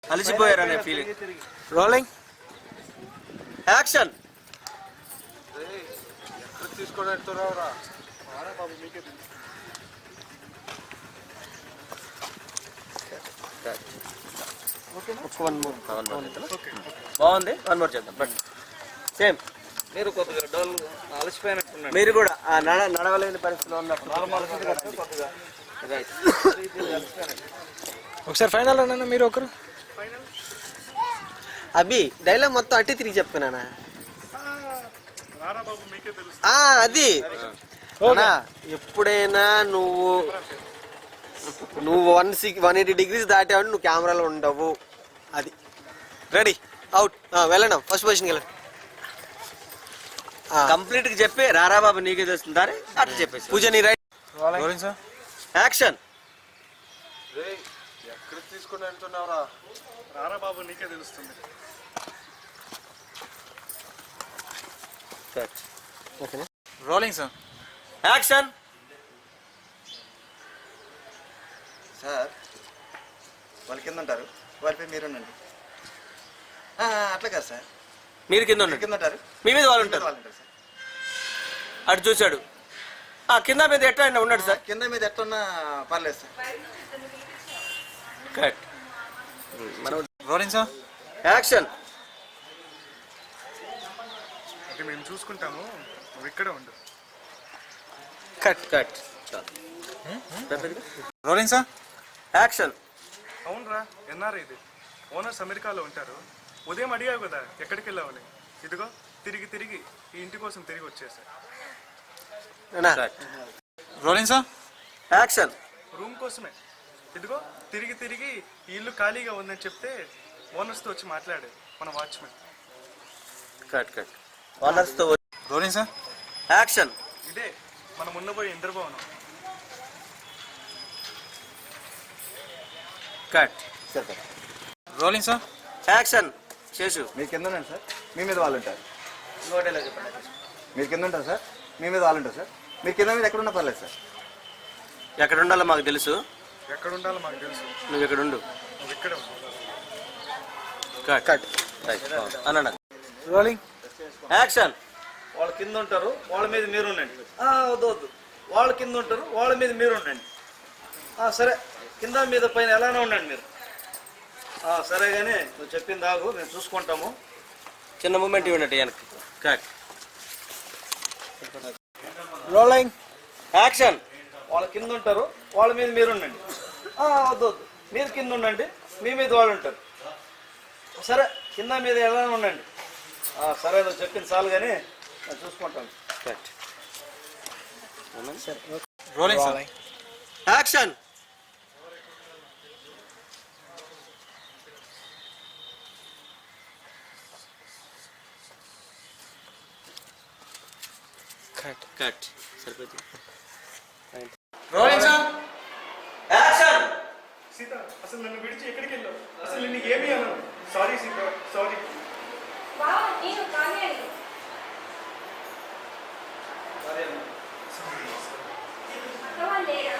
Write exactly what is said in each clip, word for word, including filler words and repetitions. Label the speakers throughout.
Speaker 1: అలసిపోయారనే feeling. Rolling action. బాగుంది, one more చేద్దాం. But same
Speaker 2: మీరు కొద్దిగా డల్ అలసిపోయినట్టున్నారు.
Speaker 1: మీరు కూడా నడ నడవలేని పరిస్థితిలో ఉన్నట్టు.
Speaker 3: ఒకసారి ఫైనల్ అన్నా మీరు ఒకరు.
Speaker 1: అభి డైలాగ్ మొత్తం అట్టి తిరిగి చెప్పుకున్నానా? అది ఎప్పుడైనా నువ్వు నువ్వు one six one eighty degrees దాటావు, నువ్వు కెమెరాలో ఉండవు. అది రెడీ అవుట్ వెళ్ళండి, ఫస్ట్ పొజిషన్కి వెళ్ళండి. కంప్లీట్ గా చెప్పి రారా బాబు నీకే తెలుస్తుందా అట్లా చెప్పేసి. పూజ నీ రైట్. యాక్షన్.
Speaker 4: ఎక్కడ తీసుకుని వెళ్తున్నావురా? రారా బాబు నీకే తెలుస్తుంది.
Speaker 3: Rolling sir.
Speaker 1: యాక్షన్.
Speaker 2: సార్ వాళ్ళు కింద ఉంటారు, వాళ్ళపై మీరు ఉండండి. అట్లా కాదు సార్,
Speaker 1: మీరు కింద ఉండండి,
Speaker 2: కింద ఉంటారు,
Speaker 1: మీ మీద వాళ్ళు ఉంటారు. అటు చూశాడు, కింద మీద ఎట్లా ఉన్నాడు సార్.
Speaker 2: కింద మీద ఎట్లున్నా పర్లేదు sir.
Speaker 1: Correct.
Speaker 3: Rolling sir.
Speaker 1: Action.
Speaker 4: అంటే మేము చూసుకుంటాము, నువ్వు ఇక్కడే ఉండు.
Speaker 1: Cut cut.
Speaker 3: Rolling sir.
Speaker 1: Action.
Speaker 4: అవునరా, ఎన్ఆర్ ఇది ఓనర్స్ అమెరికాలో ఉంటారు. ఉదయం అడిగావు కదా ఎక్కడికి వెళ్ళావని, ఇదిగో తిరిగి తిరిగి ఈ ఇంటి కోసం తిరిగి వచ్చేసా.
Speaker 3: Rolling sir.
Speaker 1: యాక్షన్.
Speaker 4: రూమ్ కోసమే, ఇదిగో తిరిగి తిరిగి ఈ ఇల్లు ఖాళీగా ఉందని చెప్తే ఓనర్స్తో వచ్చి మాట్లాడే మన వాచ్మెన్.
Speaker 1: Cut cut. ఓనర్స్ తో.
Speaker 3: Rolling sir.
Speaker 1: యాక్షన్.
Speaker 4: ఇదే మనం ఉన్నపోయే ఇంద్రభవనం.
Speaker 1: కట్.
Speaker 3: Rolling sir.
Speaker 1: యాక్షన్. చేసు.
Speaker 2: మీరు కింద ఉండండి సార్, మీ మీద వాళ్ళు ఉంటారు. మీరు కింద ఉంటారు సార్, మీ మీద వాళ్ళు ఉంటారు సార్. మీరు కింద మీద ఎక్కడ ఉన్నా పర్లేదు సార్.
Speaker 1: ఎక్కడ ఉండాలో మాకు తెలుసు,
Speaker 4: ఎక్కడ ఉండాలో మాకు తెలుసు,
Speaker 1: నువ్వు ఎక్కడ ఉండు.
Speaker 4: నువ్వు ఇక్కడే ఉండు.
Speaker 1: Cut cut. అన్న
Speaker 3: రోలింగ్.
Speaker 1: యాక్షన్.
Speaker 2: వాళ్ళ కింద ఉంటారు, వాళ్ళ మీద మీరు ఉండండి. వద్దు వద్దు, వాళ్ళ కింద ఉంటారు, వాళ్ళ మీద మీరు ఉండండి. సరే, కింద మీద పైన ఎలానే ఉండండి మీరు. సరే కానీ నువ్వు చెప్పింది ఆగు, మేము చూసుకుంటాము.
Speaker 1: చిన్న మూమెంట్ ఇవ్వండి వెనక్కి. కట్.
Speaker 3: రోలింగ్.
Speaker 1: యాక్షన్.
Speaker 2: వాళ్ళ కింద ఉంటారు, వాళ్ళ మీద మీరు ఉండండి. వద్దు వద్దు, మీరు కింద ఉండండి, మీ మీద వాళ్ళు ఉంటారు. సరే, కింద మీద ఎలానే ఉండండి. సరే, నువ్వు చెప్పింది చాలు కానీ నేను చూసుకుంటాను.
Speaker 1: Cut.
Speaker 3: Rolling sir.
Speaker 1: Action. Cut cut. సరిపోతుంది.
Speaker 3: Rolling sir.
Speaker 1: యాక్షన్.
Speaker 4: సీత, అసలు నన్ను విడిచి ఎక్కడికి వెళ్ళావు? అసలు నీకు ఏమీ అన్నాను. Sorry Sita, sorry.
Speaker 5: నేను కావ్యాని. అక్క వాళ్ళు లేరా?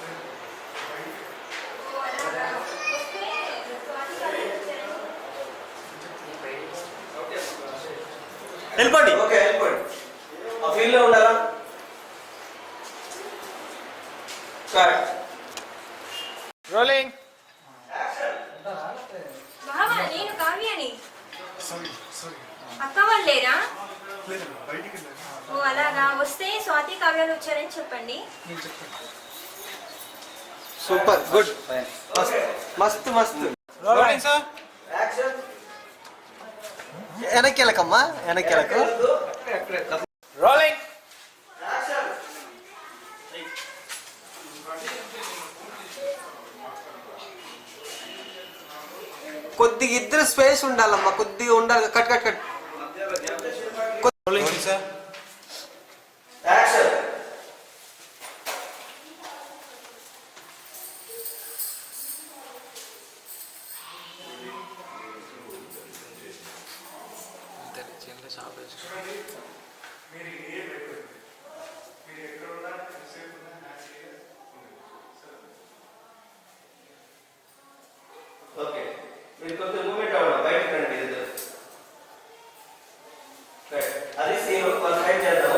Speaker 1: వెళ్ళిపోండి. ఓకే వెళ్ళిపోండి. ఆ ఫీల్డ్ లో ఉండాలా? కట్.
Speaker 3: రోలింగ్.
Speaker 5: బావా నేను కావ్యాని.
Speaker 4: Sorry sorry.
Speaker 5: అక్క వాళ్ళు లేరా?
Speaker 4: లేదు, బయటికి వెళ్ళాను.
Speaker 5: ఓ అలాగా, వస్తే స్వాతి కావ్యాలు వచ్చారని చెప్పండి.
Speaker 1: Super good. మస్తు మస్తు.
Speaker 3: Rolling sir.
Speaker 1: వెనక్కి వెళ్ళకమ్మా, వెనక్కి వెళ్ళకు.
Speaker 3: రోలింగ్.
Speaker 1: కొద్దిగా ఇద్దరు స్పేస్ ఉండాలమ్మా, కొద్దిగా ఉండాలి. Cut cut cut.
Speaker 3: Rolling sir.
Speaker 1: Action. Okay.
Speaker 2: మీరు కొంచెం మూమెంట్ అవ్వండి, బయటకు రండి ఇద్దరు. రైట్. అది సీన్ వన్ సైడ్ చేద్దాము.